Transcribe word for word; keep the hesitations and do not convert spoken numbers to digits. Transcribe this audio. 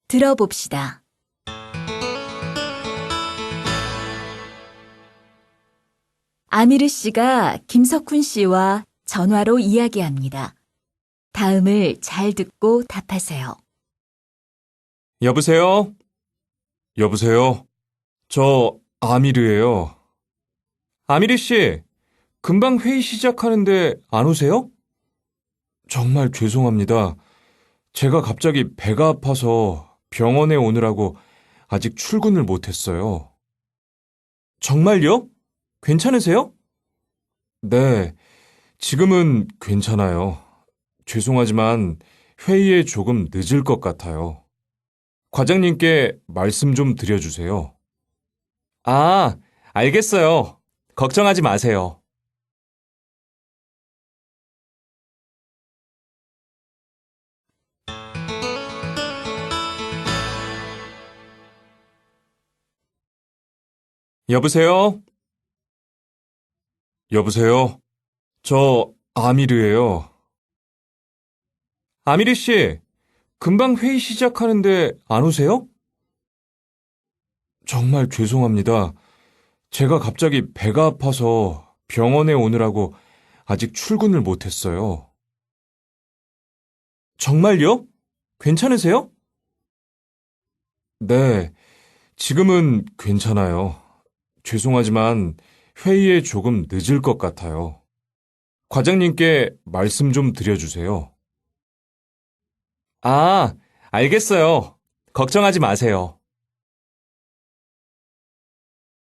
들어봅시다. 아미르 씨가 김석훈 씨와 전화로 이야기합니다. 다음을 잘 듣고 답하세요. 여보세요? 여보세요? 저 아미르예요. 아미르 씨, 금방 회의 시작하는데 안 오세요? 정말 죄송합니다. 제가 갑자기 배가 아파서 병원에 오느라고 아직 출근을 못했어요. 정말요? 괜찮으세요? 네, 지금은 괜찮아요. 죄송하지만 회의에 조금 늦을 것 같아요. 과장님께 말씀 좀 드려주세요. 아, 알겠어요. 걱정하지 마세요. 여보세요? 여보세요? 저 아미르예요. 아미르 씨, 금방 회의 시작하는데 안 오세요? 정말 죄송합니다. 제가 갑자기 배가 아파서 병원에 오느라고 아직 출근을 못했어요. 정말요? 괜찮으세요? 네, 지금은 괜찮아요. 죄송하지만 회의에 조금 늦을 것 같아요. 과장님께 말씀 좀 드려주세요. 아, 알겠어요. 걱정하지 마세요.